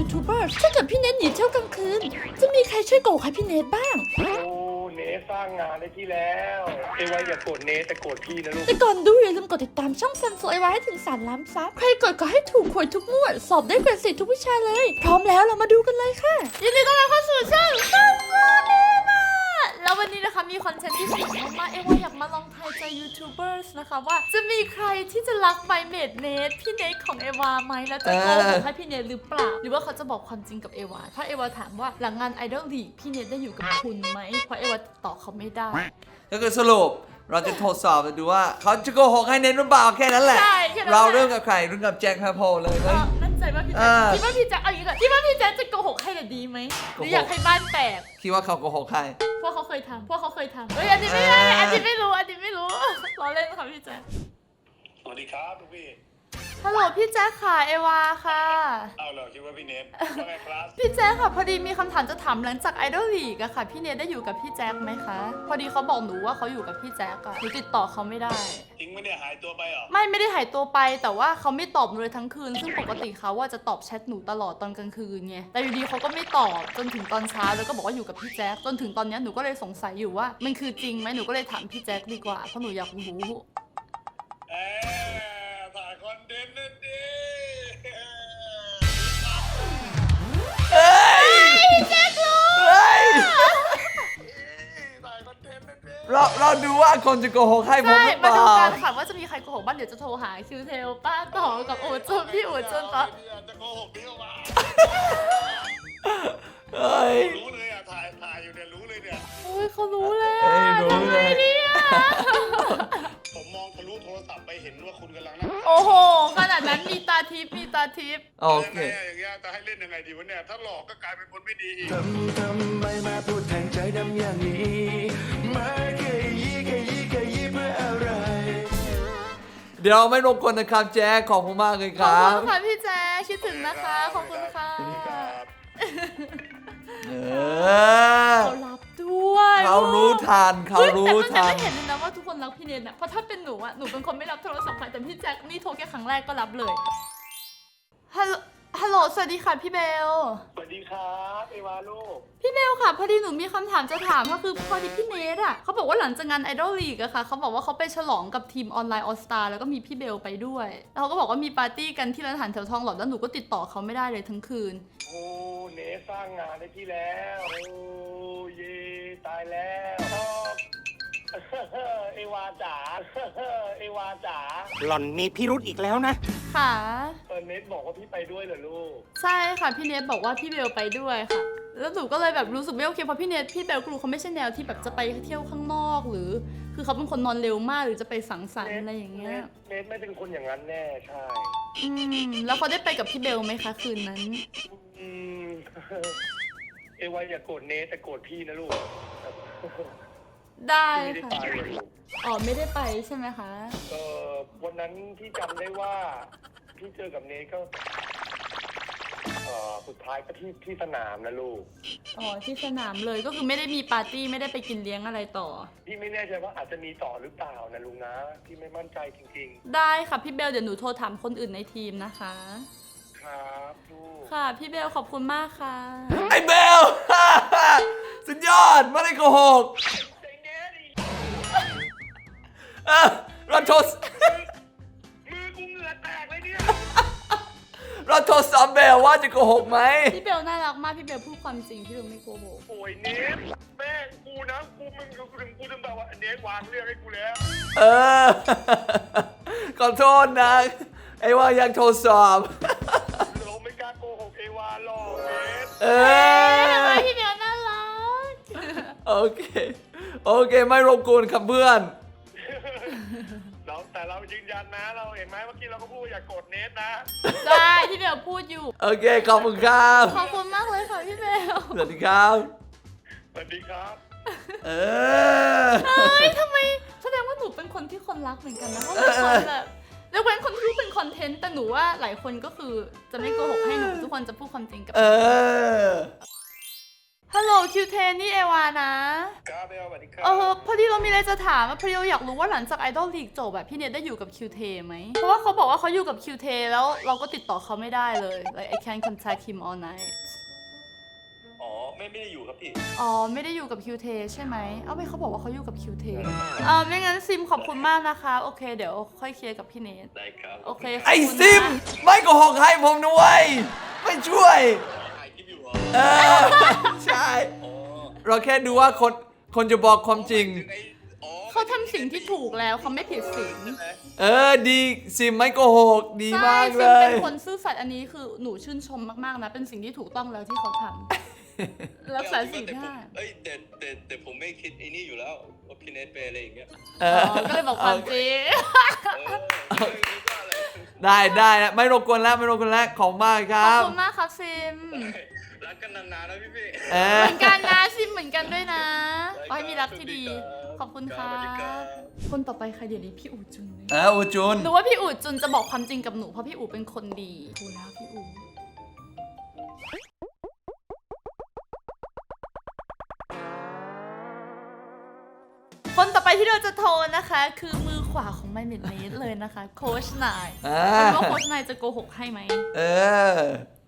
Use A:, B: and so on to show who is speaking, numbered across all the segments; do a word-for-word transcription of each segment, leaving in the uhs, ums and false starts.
A: ทูบเบอร์ถ้าเกิดพี่เนทหนีเที่ยวกลางคืนจะมีใครช่วยโกหกให้พี่เนทบ้าง
B: โอ้เนทสร้างงานได้ที่แล้วเอวาอย่าโกรธเนทแต่โกรธพี่นะลูก
A: แต่ก่อนดูอย่าลืมกดติดตามช่องซันโฟไอวาให้ถึงสามล้านซับใครกดก็ให้ถูกหวยทุกงวดสอบได้เกรดสี่ทุกวิชาเลยพร้อมแล้วเรามาดูกันเลยค่ะยินดีต้อนรับเข้าสู่ช่องซันโฟไอวาแล้ววันนี้นะคะมีคอนเทนต์ที่สนุกมากๆเอวาอยากมาลองทายใจยูทูบเบอร์นะคะว่าจะมีใครที่จะรักไมเมดเนทพี่เนทของเอวาไหมแล้วจะโกหกให้พี่เนทหรือเปล่าหรือว่าเขาจะบอกความจริงกับเอวาถ้าเอวาถามว่าหลังงานไอดอลลีกพี่เนทได้อยู่กับคุณไหมเพราะเอวาติดต่อเขาไม่ได้
C: ก็คือสรุปเราจะทดสอบดูว่าเขาจะโกหกให้เน้นหรือเปล่าแค่นั้นแหละเราเริ่มกับใครเริ่มกับแจ็คแพโพเลยไหม
A: มั่นใจว่าพี่แจ็คคิดว่าพี่แจ็คเอาอย่างนี้ก่อนคิดว่าพี่แจ็คจะโกหกให้หรือดีไหมหรืออยากให้บ้านแตก
C: คิดว่าเขาโกหกใคร
A: พวกเขาเคยทำพวกเขาเคยทำเฮ้ยอันนี้ไม่ได้อันนี้ไม่รู้อันนี้ไม่รู้ล้อเล่นค่ะพี่แจ็ค
B: สวัสดีครับทุกพี่
A: ฮัลโหลพี่แจ็คค่ะเอวาค่ะ
B: เอาเหรอคิดว่าพี่เนทว่าไงครับ
A: พี่แจ็คค่ะพอดีมีคำถามจะถามหลังจากไอดอลลีกอะค่ะพี่เนทได้อยู่กับพี่แจ็คไหมคะพอดีเขาบอกหนูว่าเขาอยู่กับพี่แจ็คอะหนูติดต่อเขาไม่ได้
B: จริงไม่ได้หายตัวไปหรอ
A: ไม่ไม่ได้หายตัวไปแต่ว่าเขาไม่ตอบหนูเลยทั้งคืนซึ่งปกติเขาว่าจะตอบแชทหนูตลอดตอนกลางคืนไงแต่อยู่ดีเขาก็ไม่ตอบจนถึงตอนเช้าแล้วก็บอกว่าอยู่กับพี่แจ็คจนถึงตอนนี้หนูก็เลยสงสัยอยู่ว่ามันคือจริงไหมหนูก็เลยถามพี่แจ็คดีกว่าเพราะหนูอยากรู้
B: เออถ่ายคอนเทนต์นั่นดิ
C: เฮ้ย
A: แจ็ครู้
C: เฮ้ย
B: ถ่ายคอนเทนต์นั่นดิ
C: เราเราดูว่าคนจะโกหกให้ผมหรือเปล่า
A: มาดูกันค่ะว่าจะมีใครโกหกบ้างเดี๋ยวจะโทรหาคิวเทลป้าต่อกับโอจนพี่โอจนต่อ
B: จะโกหกพี่ออกมา
C: เฮ้ย
B: รู้เลยอ่ะถ่ายถ่ายอยู่เนี่ยรู้เลยเนี่ย
A: โอ้ยเขารู้เลยอ่ะทำไงเนี่ย
B: ผมมองทะลุโทรศัพท์ไปเห็นว่าคุณกำลังนั่ง
A: โอ้โหขนาดนั้นมีตาทิพย์มีตาทิพย์
C: โอเค
B: อย่างเงี้ยจะให้เล่นยังไงดีวะเนี่ยถ้าหลอกก็กลายเป็นคนไม่ดีอีก
D: ทำทำไมมาพูดแทงใจดำอย่างนี้มาแค่ยี่แค่ยี่แค่ยี่เพื่ออะไร
C: เดี๋ยวไม่รบกวนนะครับแจ๊คขอบคุณมากเลยครับ
A: ขอบคุณค่ะพี่แจ๊คคิดถึงนะคะขอบคุณค่ะ
C: เออ
A: เขารับด้วย
C: เขารู้ทันเขารู้ทัน
A: แต่ไม่เห็นเลยนะว่าทุกคนรักพี่เนทนะเพราะถ้าเป็นหนูอะหนูเป็นคนไม่รับโทรศัพท์ใครแต่พี่แจ็คนี่โทรแค่ครั้งแรกก็รับเลยฮัลโหลฮัลโหลสวัสดีค่ะพี่เบล
B: สวัสดีครับเอวาลูก
A: พี่เบลค่ะพอดีหนูมีคำถามจะถามก็คือพอดีพี่เนทอะเขาบอกว่าหลังจากงานไอดอลลีกอะค่ะเขาบอกว่าเขาไปฉลองกับทีมออนไลน์ออสตาแล้วก็มีพี่เบลไปด้วยแล้วเขาก็บอกว่ามีปาร์ตี้กันที่ร้านอาหารแถวทองหล่อแล้วหนูก็ติดต่อเขาไม่ได้เลยทั้งคืน
B: โอ้เนทสร้างงานได้ที่แล้วโอ้เย่ตายแล้วเอวาจ๋าเอวาจ๋า
D: หล่อนมีพิรุธอีกแล้วนะ
A: ค่ะ
B: เออเนทบอกว่าพี่ไปด้วยเหรอลูก
A: ใช่ค่ะพี่เนทบอกว่าพี่เบลไปด้วยค่ะแล้วหนูก็เลยแบบรู้สึกไม่โอเคเพราะพี่เนทพี่เบลกรูเขาไม่ใช่แนวที่แบบจะไปเที่ยวข้างนอกหรือคือเขาเป็นคนนอนเร็วมากหรือจะไปสังสรรค์อะไรอย่างเงี้ย
B: เนทไม่เป็นคนอย่างนั้นแน่ใช่
A: อืมแล้วเขาได้ไปกับพี่เบลไหมคะคืนนั้น
B: อืมเอวาอย่าโกรธเนทแต่โกรธพี่นะลูก
A: ได้ค่ะอ๋อไม่ได้ไปใช่ไหมคะ
B: เออวันนั้นที่จำได้ว่าพี่เจอกับเนทก็เออสุดท้ายก็ที่ที่สนามนะลูก
A: อ๋อที่สนามเลยก็คือไม่ได้มีปาร์ตี้ไม่ได้ไปกินเลี้ยงอะไรต่อ
B: พี่ไม่แน่ใจว่าอาจจะมีต่อหรือเปล่านะลุงนะพี่ไม่มั่นใจจริง
A: ๆได้ค่ะพี่เบลเดี๋ยวหนูโทรถามคนอื่นในทีมนะคะ
B: ครับลูก
A: ค่ะพี่เบลขอบคุณมากค่ะ
C: ไอ้เบลสุดยอดไม่ได้โกหกเออเราโทร
B: มือกูเหงื่อแตกเลยเนี่ย
C: เราโทรสอบเบลว่าจะโกหกไหม
A: พี่เบลน่ารักมากพี่เบลพูดความจริงพี่เบลไม่โกหก
B: โอ้ยเนทแม่กูนะกูมึงกูถึงกูถึงแบบว่าเนทวางเรื่องให้กูแล้ว
C: เออขอโทษนะไอ้ว่ายังโทรสอบ
B: เราไม่กล้าโกหกเอวาหรอกเนท
C: เอ
A: อพี่เบลน่ารัก
C: โอเคโอเคไม่รบกวนครับเพื่อน
B: เราแต่เรายืนยันนะเราเห็นไหมเมื่อกี้เราก็พูดอย่าโกรธเนทนะ
A: ใช่พี่เบลพูดอยู่
C: โอเคขอบคุณครับ
A: ขอบคุณมากเลยค่ะพี่เบล
C: สวัสดีครับ
B: สวัสดีครับ
C: เอ
A: อเฮ้ยทำไมแสดงว่าหนูเป็นคนที่คนรักเหมือนกันนะเพราะเป็นคนแบบแล้วเว้นคนที่รู้เป็นคอนเทนต์แต่หนูว่าหลายคนก็คือจะไม่โกหกให้หนูทุกคนจะพูดความจริงกับ
C: เออ
A: ฮัลโหลคิวเทนนี่เอวานะครับ
B: เบลสวัสดีครับ
A: เออพอดีเรามีอะไรจะถามอะพอดีเราอยากรู้ว่าหลังจากไอดอลลีกจบแบบพี่เนทได้อยู่กับคิวเทไหมเพราะว่าเขาบอกว่าเขาอยู่กับคิวเทแล้วเราก็ติดต่อเขาไม่ได้เลย like I can't contact him all night
B: อ๋อไม่ไม่ได้อยู่ครับพี่
A: อ๋อไม่ได้อยู่กับคิวเทใช่ไหมเอ้าไม่เขาบอกว่าเขาอยู่กับคิวเทอ่าไม่งั้นซิมขอบคุณมากนะคะโอเคเดี๋ยวค่อยเคลียร์กับพี่เนท
B: ได้ครับ
A: โอเคขบ
C: ไอ้
A: คุณนะ
C: ซิม ไม่โกหกให้ผมด้วยไม่ช่วย
B: ถ่ายคลิปอยู่เหรอ
C: เออ ใช่
B: อ๋อ
C: เราแค่ดูว่าคนคนจะบอกความจริง
B: ไอ้อ๋อ
A: เขาทำสิ่งที่ถูกแล้วเขาไม่ผิดศีล
B: ใช่ไหม
C: เออดีซิมไม่โกหกดี
A: ใช่
C: มาก
A: ซิ
C: เล
A: มเป็
C: ย
A: นคนซื่อสัตย์อันนี้คือหนูชื่นชมมากๆนะเป็นสิ่งที่ถูกต้องแล้วที่เขาทำรักษาศีล
E: แต่ผม
A: ห้า
E: เอ้ยแต่แต่แต่ผมไม่คิดไอ้นี่อยู่แล้วว่าพี่เนทเป็นอะไรอย่างเงี้ย
C: เอ
A: อ๋
C: อ
A: อก็เลยบอกความจริง
E: เออไม่รู้ว่าอะไร
C: ได้ได้นะไม่รบกวนแล้วไม่รบกวนแล้วของมากค
A: ข
C: รั
A: อบบ คุณมากครับซิม
E: รักกันนานๆนะพี่พี่
C: เอ
A: เห
C: อ
A: มือนกันนะซิมเหมือนกันด้วยนะขอให้มีรักที่ดี
E: ครับ
A: ขอบคุณค่ะ
E: สวัสดีครับ
A: คนต่อไปใครเดี๋ยวนี้พี่อู๋จุนเลย
C: เอออูจุน
A: หนูว่าพี่อู๋จุนจะบอกความจริงกับหนูเพราะพี่อู๋เป็นคนดีดูแล้วพี่อู๋คนต่อไปที่เราจะโทรนะคะ คือมือขวาของไมเมดเนสเลยนะคะโค้ชนาย
C: อ่า
A: ไม่รู้ว่าโค้ชนายจะโกหกให้ไหม
C: เออ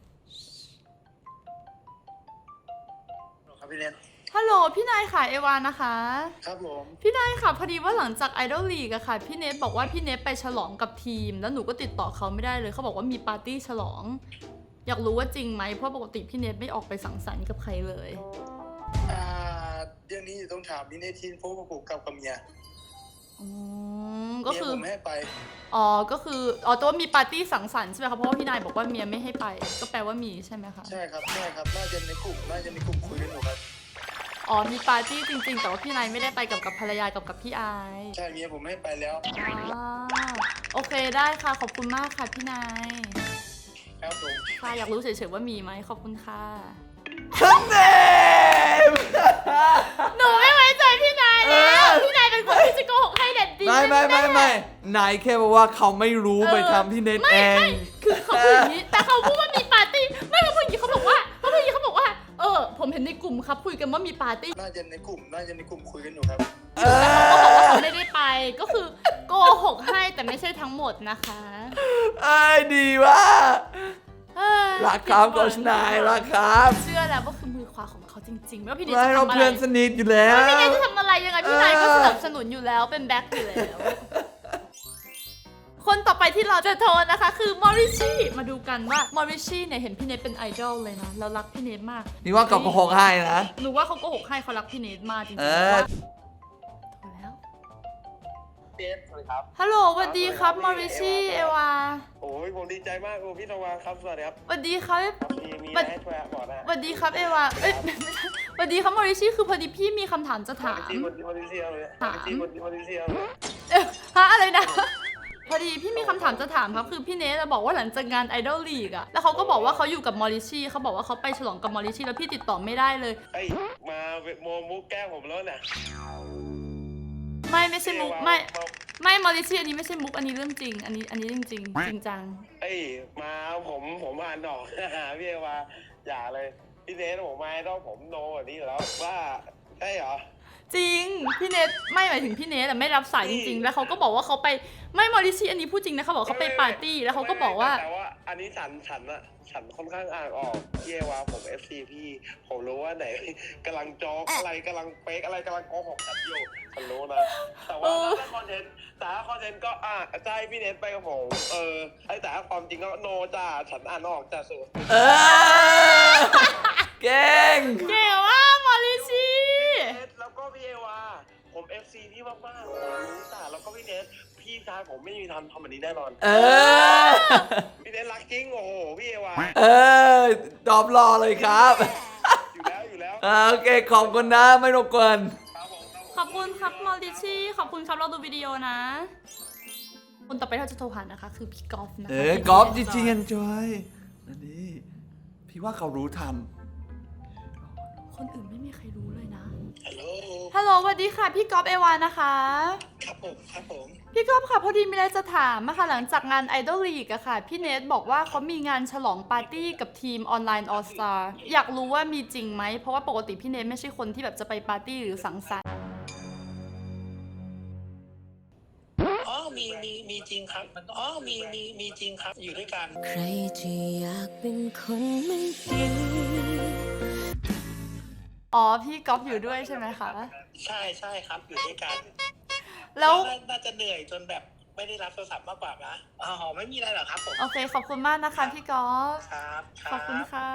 B: ครับพี่เนท
A: ฮัลโหลพี่นายค่ะเอวานะคะ
B: ครับผม
A: พี่นายค่ะพอดีว่าหลังจากไอดอลลีกอะค่ะพี่เนทบอกว่าพี่เนทไปฉลองกับทีม แล้วหนูก็ติดต่อเขาไม่ได้เลยเขาบอกว่ามีปาร์ตี้ฉลอง อยากรู้ว่าจริงไหมเพราะปกติพี่เนทไม่ออกไปสังสรรค์กับใครเลย
F: อ่าเรื่องนี้อยู่ต้องถามพี่เนทินเพราะว่าผมกลับกับเมีย
A: อืมก็
F: เมีย
A: คือ
F: ผมไม่ให้ไป
A: อ๋อก็คืออ๋อตัวมีปาร์ตี้สังสรรค์ใช่ไหมคะเพราะว่าพี่นายบอกว่าเมียไม่ให้ไป ก็แปลว่ามีใช่ไหมคะ
F: ใช่ครับใช่ครับน่าจะในกลุ่มน่าจะในกลุ่มคุยกันอยู่ครับ
A: อ๋อมีปาร์ตี้จริง ๆ แต่ว่าพี่นายไม่ได้ไปกับกับภรรยากับกับพี่ไอซ์
F: ใช่เมียผมไม่ให้ไปแล้ว
A: อ่าโอเคได้ค่ะขอบคุณมากค่ะพี่นาย
F: ครับผม
A: ค่ะอยากรู้เฉยๆว่ามีไหมขอบคุณค่ะ
C: ทั้งเนม
A: หนูไม่ไว้ใจพี่นายแล้ว
C: เออ
A: พี่นายเป็นคนที่จะโกหกให้เด็ดดี
C: ไม่ไม่ไม่ไม่นายแค่บอกว่าเขาไม่รู้ไปทำที่เน็ต
A: ไม่
C: เอ
A: ไม่
C: ง
A: คือเขาพูดอย่างนี้ แต่เขาพูดว่ามีปาร์ตี้ ไม่เขาพูดอย่างนี้เขาบอกว่าเขาพูดอย่างนี้เขาบอกว่า เออ ผมเห็นในกลุ่มครับคุยกันว่ามีปาร์ตี้
F: น่าจะในกลุ่มน่าจะในกลุ่มคุยกันอยู่ครับ
C: เอ
A: เขาบอกว่า
C: อ
A: เขาไม่ได้ไป ก็คือโกหกให้แต่ไม่ใช่ทั้งหมดนะคะ
C: ไอ้ยดีว่ะ
A: เอ้ย
C: รักครับโกชนายรักครับ
A: เชื่อแล้วว่าคือมือขวาของเขาจริงๆไม่ว่าพี่เนย
C: ไม่
A: จะ
C: เรา
A: ทำอะไร
C: เพื่อนสนิทอยู่แล้ว
A: พี่นายจะทำอะไรยังไงพี่นายก็
C: เออ
A: สนับสนุนอยู่แล้วเป็นแบ็คอยู่แล้ว คนต่อไปที่เราจะโทรนะคะ คือมอริชี่มาดูกันว่ามอริชี่เนี่ยเห็นพี่เนทเป็นไอดอลเลยนะแล้วรักพี่เนทมาก
C: นี่ว่ากับโกหกให้นะ
A: หนูว่าเขาโกหกให้เขารักพี่เนทมากจริงๆ
C: เออ
A: ว่าโทรแล้ว
B: เจฟสวัสดีครับ
A: ฮัลโหลสวัสดีครับมอริชี่เอวา
B: โอ้ยผมดีใจมากโอ้พี่ตะวันครับสวัสดีครับ
A: สวัสดีครับ
B: มีมีอะไรให้ช่วยบอกนะ
A: สวัสดีครับเอวาเอ้ยไม่ใช่สวัสดีครับมอริชี่คือพอดีพี่มีคำถามจะถาม
B: จีบนจีบนเซียเลย
A: ถาม
B: จีบนจีบนเซียเลย
A: เอ๊ะฮะอะไรนะ พอดีพี่มีคำถามจะถามครับคือพี่เนทอะบอกว่าหลังจากงานไอดอลลีกอะแล้วเขาก็บอกว่าเขาอยู่กับมอริชี่เขาบอกว่าเขาไปฉลองกับมอริชี่แล้วพี่ติดต่อไม่ได้เลย
B: ไอ้มาโมมุกแก้ผมแล้วเนี่ย
A: ไม่ไม่ใช่มุกไม่ไม่มอริชี่อันนี้ไม่ใช่มุกอันนี้เรื่องจริง อันนี้อันนี้จริงจริงจริงจัง
B: ไอ้มาผมผมอ่านออก พี่เอวาอย่าเลยพี่เนทผมมาต้องผมโนแบบนี้อยู่แล้วว่าใช่เหรอ
A: จริงพี่เนทไม่หมายถึงพี่เนทแต่ไม่รับสายจริง ๆ แล้วเขาก็บอกว่าเขาไปไม่มอริชี่อันนี้พูดจริงนะเขาบอกเขาไปปาร์ตี้แล้วเขาก็บอกว่า
B: แต่ว่าอันนี้ฉันฉันอะฉันค่อนข้างอ่านออกพี่เอวาผม เอฟ ซี พี่ผมรู้ว่าไหน กำลังจอกอะไรกำลังเป๊กอะไรกำลังโกหกกันอยู่ฉันรู้นะแต่ว่าถ้าคอนเทนต์แต่ถ้าคอนเทนต์ก็อ่ะจะให้พี่เนทไปกับผมเออไอ้แต่ถ้าความจริงก็โนจ้าฉันอ่านออกจ้าสุด
C: เออ เก่ง
A: เก่งว่ากมอริชี่
B: แล้วก็พี่เอวาผม เอฟ ซี พี่มากๆผมรู้จ้าแล้วก็พี่เนทพี่ชายผมไม่มีทำทำแบบนี้แน่นอน
C: เออ
B: พี่เนทรักจริงโอ้โหพี่เอวา
C: เออตอบรอเลยครับ
B: อยู่แล้วอยู่แล้ว
C: อ่าโอเค ขอบคุณนะ ไม่รบกวน
B: ครับผมครับผม
A: ขอบคุณครับมอริชี่ขอบคุณครับเราดูวิดีโอนะ คนต่อไปที่เราจะโทรหานะคะ คือพี่กอล์ฟนะคะ
C: เออกอล์ฟจริงๆ enjoy อันนี้พี่ว่าเขารู้ทัน
A: คนอื่นไม่มีใครรู้เลยนะ
F: ฮัลโหล
A: ฮัลโหลสวัสดีค่ะ พี่กอล์ฟเอวานะคะ
F: คครับผมครับผม
A: พี่ก๊อฟค่ะพอดีมีอะไรจะถามอะค่ะหลังจากงาน Idol League อะค่ะพี่เนทบอกว่าเขามีงานฉลองปาร์ตี้กับทีมออนไลน์ All Star อยากรู้ว่ามีจริงไหมเพราะว่าปกติพี่เนทไม่ใช่คนที่แบบจะไปปาร์ตี้หรือสังสรรค์
F: อ๋อมีมีมีจริงครับอ๋อมีมีมีจริงครับอยู่ด้วยกัน
G: ใครจะอยากเป็นคนไม่ดี
A: อ๋อพี่ก๊อฟอยู่ด้วยใช่ไหมคะ
F: ใช่ใช่ครับอยู่ด้วยกัน
A: แล้ว
F: น่าน่าจะเหนื่อยจนแบบไม่ได้รับโทรศัพท์มากกว่านะอ๋อไม่มีอะไรหรอกครับผม
A: โอเคขอบคุณมากนะคะพี่ก๊อฟ
F: ครับ
A: ขอบคุณค่ะ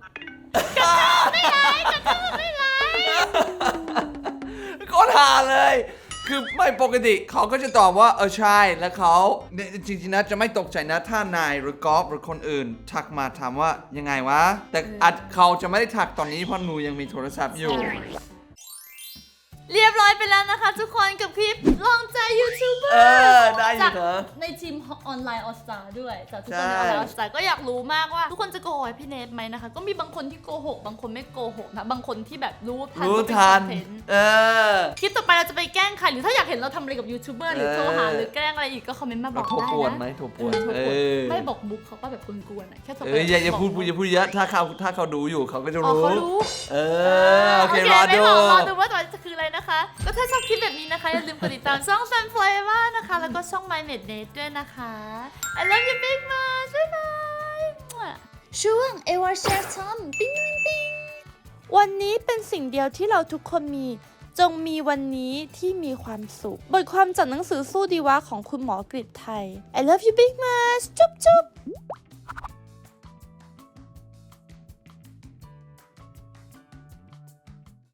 C: ก็ทาเลย คือไม่ปกติเขาก็จะตอบว่าเออใช่แล้วเขาเนี่ยจริงๆนะจะไม่ตกใจนะถ้านายหรือกอล์ฟหรือคนอื่น ทักมาถามว่ายังไงวะ แต่อาจเขาจะไม่ได้ทักตอนนี้เพราะหนูยังมีโทรศัพท์อยู่
A: เรียบร้อยไปแล้วนะคะทุกคนกับคลิปลองใจยูทูบเบอ
C: เอ
A: ร์
C: อได้อยู่เหรอ
A: ในทีมออนไลน์ออสตาด้วยจากทุก
C: ใช่
A: คนในออนไลน์ออสตาก็อยากรู้มากว่าทุกคนจะโกหกพี่เนทไหมนะคะ ก็มีบางคนที่โกหกบางคนไม่โกหกนะบางคนที่แบบรู้ทัน
C: รู้
A: ว่าเป็น
C: ทัน
A: คอนเทนต์
C: เออ
A: คลิปต่อไปเราจะไปแกล้งใครหรือถ้าอยากเห็นเราทำอะไรกับยูทูบเบอร์หรือโทรหา
C: เออ
A: หรือแกล้งอะไรอีกก็คอมเมนต์มาบ
C: เรา
A: อก
C: โทร
A: ได้
C: ปวน
A: นะ
C: ไหมโทรปวน
A: เออโทร
C: เอ
A: ปวน
C: อ
A: ไม่บอกบุ๊กเขาก็แบบกวนๆนะแค่โทร
C: เอออย่าอย่าพูด
A: บก
C: อย่าพูดเยอะถ้าเขาถ้าเขาดูอยู่เขาก็จะ
A: อ๋อ
C: รู้
A: เขารู้
C: เออโอเครอ
A: ไม่
C: ดู
A: บอกรอดูว่าต่อไปจะคืออะไรนะคะ ก็ถ้าชอบคลิปแบบนี้นะคะ อย่าลืมกดติดตามช่อง Fan Forever นะคะ แล้วก็ช่อง My Net Net ด้วยนะคะ I love you big much บ๊ายบายช่วงเอวาแชร์ทอมปิ้งปิ้งปิ้งวันนี้เป็นสิ่งเดียวที่เราทุกคนมี จงมีวันนี้ที่มีความสุข บทความจากหนังสือสู้ดีวะของคุณหมอกฤษไทย I love you big much จุ๊บจุ๊บ